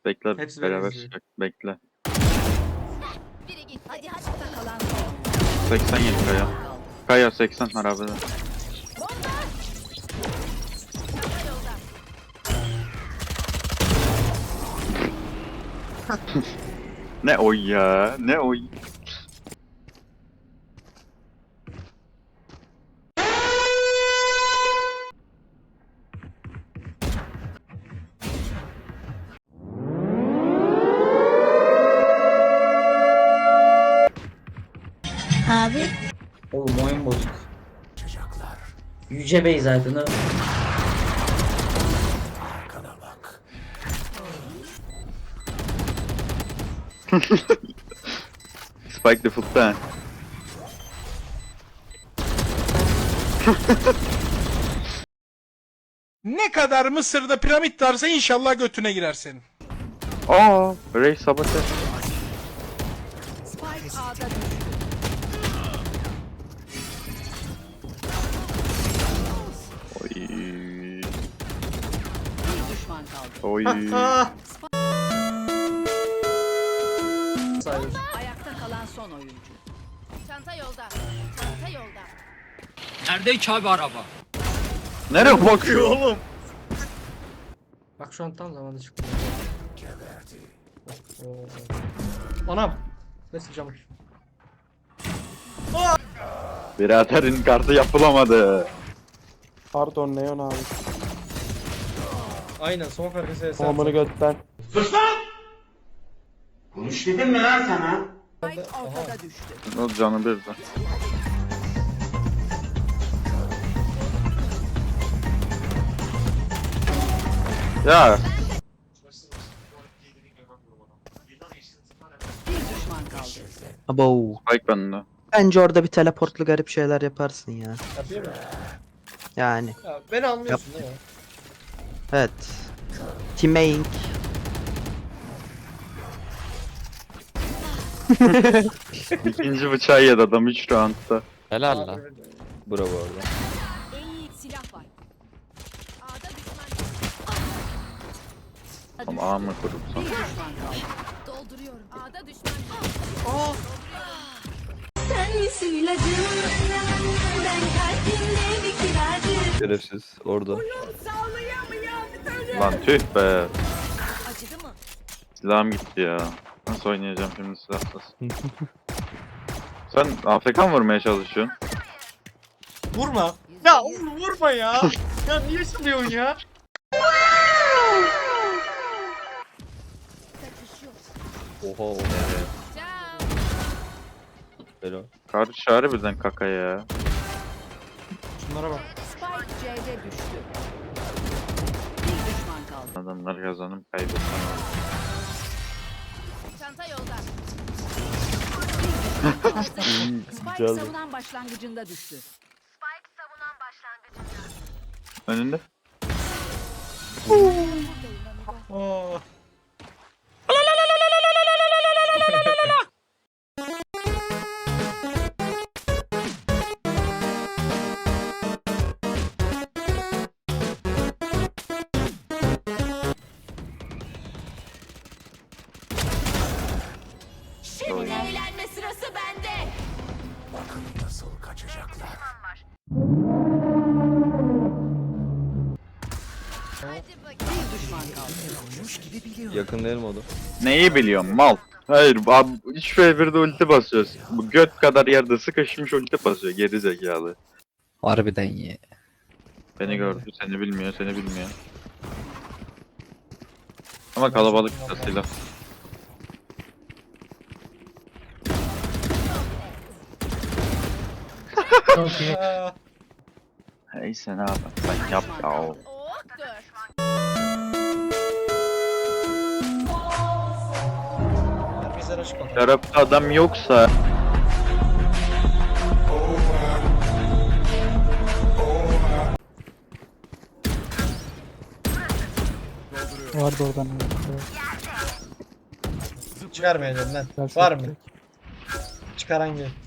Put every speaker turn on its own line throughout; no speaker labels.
Bekle
Hepsi
beraber
benziyor.
çıkacak. Bekle.
Biri gitti. Hadi açıkta kalan.
87 Kaya. Kaya 80 harabede.
Bomba. Çanta yolda.
Ne oy ya? Ne oy?
Abi.
Oğlum oyun bozuk. Yüce Bey zaten o.
Spike default'ta.
Ne kadar Mısır'da piramit varsa inşallah götüne girer senin.
Aa, Ray sabote.
Spike A'da düştü.
Oy.
Bir düşman kaldı.
Oy.
Sayılır.
Ayakta kalan son oyuncu. Çanta yolda. Çanta yolda.
Neredeymiş abi araba?
Nereye bakıyor oğlum?
Bak şu an tam zamanında çıktı. Anam. Ne sıcağım.
Biraderin kartı yapılamadı.
Pardon Neon abi.
Aynen son farkı
Tamamını götten.
Spike ortada düştü.
O canı bir de. Ya
Bir düşman kaldı.
Abo.
Spike bende.
Bence orada bir teleportlu garip şeyler yaparsın ya.
Yapıyor mu?
Yani.
Ya beni anlıyorsun değil mi?
Evet. Teaming.
İkinci bıçağı yedi adam 3 roundda.
Helal lan.
Abi,
Bravo orada.
İyi silah var. A'da düşman.
Ama ağ mı kurupsan?
Bir düşman kaldı. Dolduruyorum. A'da düşman.
Sen misin ilacım? Ben kalbimde bir kiracı.
Şerefsiz orada.
Lan tüh be.
Acıdı mı?
Silahım gitti ya. Nasıl oynayacağım şimdi silahsız? Sen AFK mı vurmaya çalışıyorsun?
Vurma. Ya oğlum vurma ya. Ya niye sürüyorsun ya?
Kaçış yok.
Oha oha.
Ciao.
Helal.
Karşı çağrı birden kaka ya.
Şunlara bak.
Spike C'de düştü. Bir düşman kaldı.
Adamlar kazanıp kaybetsen olur.
Çanta yolda. Spike
Güzel.
savunan başlangıcında düştü.
Önünde.
Oo.
Şimdi eğlenme sırası bende. Bir düşman kaldı.
Yakın değil mi o da?
Neyi biliyorum mal? Hayır abi 3v1'de ulti basıyoruz. Bu göt kadar yerde sıkışmış ulti basıyor geri zekalı.
Harbiden ye.
Beni gördü seni bilmiyor seni bilmiyor. Ama kalabalık silah.
Çok iyi.
Hey sen abi sen yap ya.
Oh, dur.
Herkesler açık bakalım.
Tarafta adam yoksa
Vardı oradan.
Çıkarmayacağım lan. Var mı? Çıkaran gel.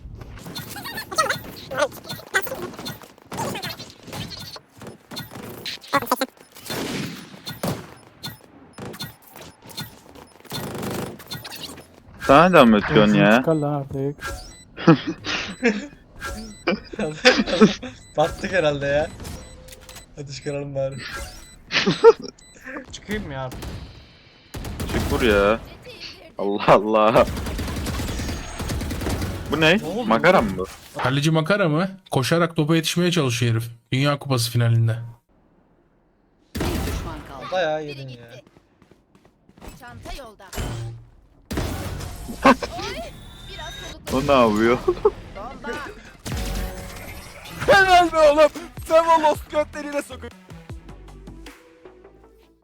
Sana da mı ötüyorsun ya?
Çıkar lan artık.
Battık herhalde ya. Hadi çıkaralım bari. Çıkayım mı ya?
Çık vur ya. Allah Allah. Bu ne?
Ne oldu?
Makara mı bu?
Kaleci makara mı? Koşarak topa yetişmeye çalışıyor herif. Dünya Kupası finalinde.
Bir düşman kaldı.
Bayağı
Biri
yedin ya.
gitti. Çanta yolda. Oy! Biraz soluklu.
O ne yapıyor?
Bomba.
Helal be oğlum. Sen o Lost götleriyle sokuyorsun.